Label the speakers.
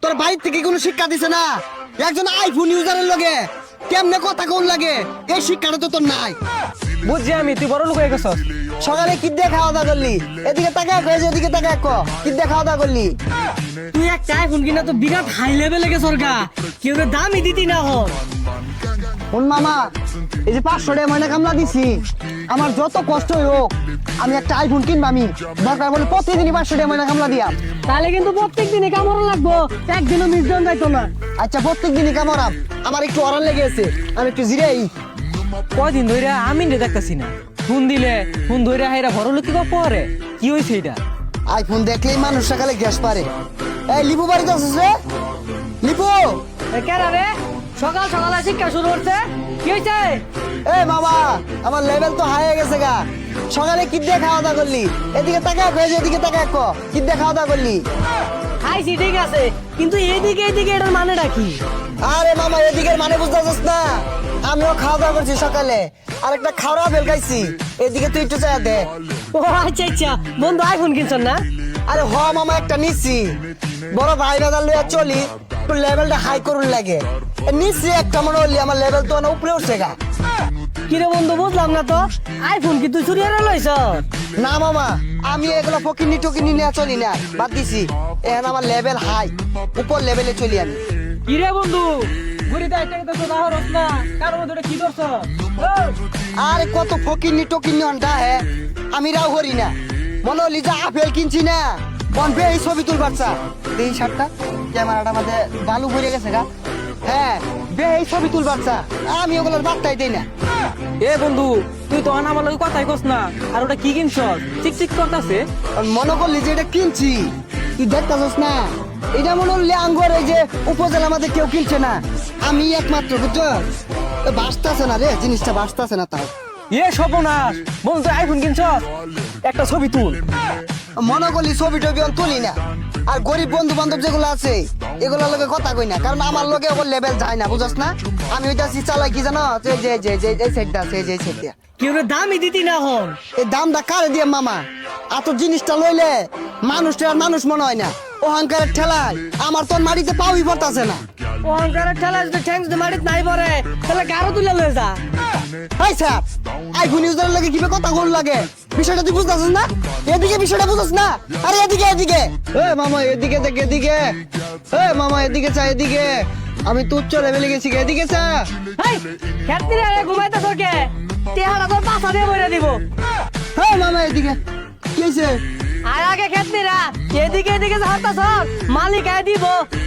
Speaker 1: তোর বাড়ি থেকে কোনো শিক্ষা দিছে না? একজন আইফোন ইউজারের লগে কেমনে কথা কোন লাগে এই শিক্ষাটা তো তোর নাই।
Speaker 2: বুঝছি আমি, তুই বড় লোক হয়ে গেছস।
Speaker 1: সকালে কি দিয়ে খাওয়া দাওয়া করলি? এদিকে তাকা কই, এদিকে তাকা কি দিয়ে খাওয়া দাওয়া করলি?
Speaker 3: তুই একটা আইফোন কিনা তো বিরাট হাই লেভেলে গেছর গা, কেউ দামই দিতি না হন।
Speaker 1: শোন মামা, এই যে 500 টাকা ময়না কামলা দিছি, আমার যত কষ্টই হোক আমি একটা আইফোন কিনবো। আমি দরকার বলে প্রতিদিনই 500 টাকা ময়না কামলা দিয়াম।
Speaker 3: তাহলে কিন্তু প্রত্যেক দিনে কামড় লাগবো, একদিনও মিস দেন যাইতো না।
Speaker 1: আচ্ছা প্রত্যেক দিনই কামড়াম, আমার একটু অরান লেগে আছে, আমি একটু জিরাই।
Speaker 2: কয়দিন ধরে আমি দেখতাছি না, ফোন ধরে হাইরা বড় লোক কি পরে কি হয়েছে এটা?
Speaker 1: আইফোন দেখলেই মানুষ সকালে গ্যাস পারে। এই লিপু বাড়িতে আছিস রে? লিপু,
Speaker 3: কেন রে সকাল সকালে শিক্ষা শুরু করছে, কি হয়েছে?
Speaker 1: এ মামা, আমার লেভেল তো হাই হয়ে গেছে গা। সকালে কি দিয়ে খাওয়া দাওয়া করলি? এদিকে তাকা কই, এদিকে তাকা কি দিয়ে খাওয়া দাওয়া করলি?
Speaker 3: খাইছি ঠিক আছে, কিন্তু এদিকে এটার মানেটা কি?
Speaker 1: আরে মামা, এদিকের মানে বুঝতেছিস না? আমিও খাওয়া দাওয়া করছি সকালে, আর একটা খাওয়া বেল খাইছি। এদিকে তুই একটু চাই দে।
Speaker 3: ও আচ্ছা আচ্ছা, বন্ধু আইফোন কিনছ না?
Speaker 1: আরে হ মামা, একটা নিচ্ছি, বড় ভাই বাজার লইয়া চলি, একটু লেভেলটা হাই করুন লাগে। নিচ্ছি একটা, মনে হলি আমার লেভেল তো উপরে উঠছে গা।
Speaker 3: কিরে বন্ধু বুঝলাম না তো, আইফোন কি তুই চুরি করে লইছ?
Speaker 1: না মামা, আমি এগুলো ফকিনি টকিনি নিয়ে চলি না, বাদ দিছি। এখন আমার লেভেল হাই, উপর লেভেলে চলি আমি।
Speaker 2: কিরে বন্ধু, ঘুরিতে একটা তো দাহরস না, কার মধ্যে কি করছ?
Speaker 1: আরে কত ফকিনি টকিনি অনটা হে, আমি রাও করি না। মনে হলি যে আপেল কিনছি না, বনবে এই ছবি তুলবার চা। এই শার্টটা ক্যামেরাটা মাঝে বালু ভরে গেছে গা। হ্যাঁ বে, এই ছবি তুলবার চা, আমি ওগুলোর বার্তাই দেই না।
Speaker 2: এ বন্ধু, তুই তো আমার লগে কথাই কস না, আর ওটা কি কিনছ? চিকচিক করতাছে।
Speaker 1: মনে করলি যে এটা কিনছি, তুই দেখতাছস না? এটা মনে হলি আঙ্গুর, এই যে উপজেলা আমাদের কেউ কিনছে না, আমি একমাত্র, বুঝছো? বাঁচতেছে না রে, জিনিসটা বাঁচতেছে না। তাও
Speaker 2: এ সর্বনাশ, বন্ধু তুই আইফোন কিনছ, একটা ছবি তুল।
Speaker 1: মনে করলি ছবি টবি আমি তুলি না, আর গরিব বন্ধু বান্ধব যেগুলো আছে এগুলোর লগে কথা কই না, কারণ আমার লগে ওর লেভেল যায় না, বুঝছ না? আমি ওইটা চালাই কি জানো, যে যে যে যে এই সাইডটা আছে, এই যে সাইডটা।
Speaker 3: কেউ দামই দিতি না হন।
Speaker 1: এই দামটা কারে দিয়ে মামা? এত জিনিসটা লইলে মানুষটা আর মানুষ মনে হয় না, অহংকারের ঠেলায় আমার তোর মাটিতে পাউই পড়তাছে না।
Speaker 3: অহংকারের ঠেলা যদি ঠ্যাং যদি মাটিতে নাই পড়ে, তাহলে গারো তুলে লয়ে যা।
Speaker 1: এই স্যার, আইফোন ইউজারের লাগে কিভাবে কথা কোন লাগে, বিষয়টা তুই বুঝতাছিস না? এদিকে বিষয়টা বুঝছ না? আরে এদিকে এদিকে, এ মামা এদিকে দেখ, এদিকে। এ মামা এদিকে চা, এদিকে। আমি তো উচ্চ লেভেলে গেছি, এদিকে চা।
Speaker 3: হেই খেতে রে ঘুমাইতেছ কে? তেহারা তোর পাছা দিয়ে বইরা দিব।
Speaker 1: হ্যাঁ মামা এদিকে, কি হয়েছে?
Speaker 3: আর আগে খেতে রা এদিকে এদিকে হাঁটাছ, মালিক আয় দিব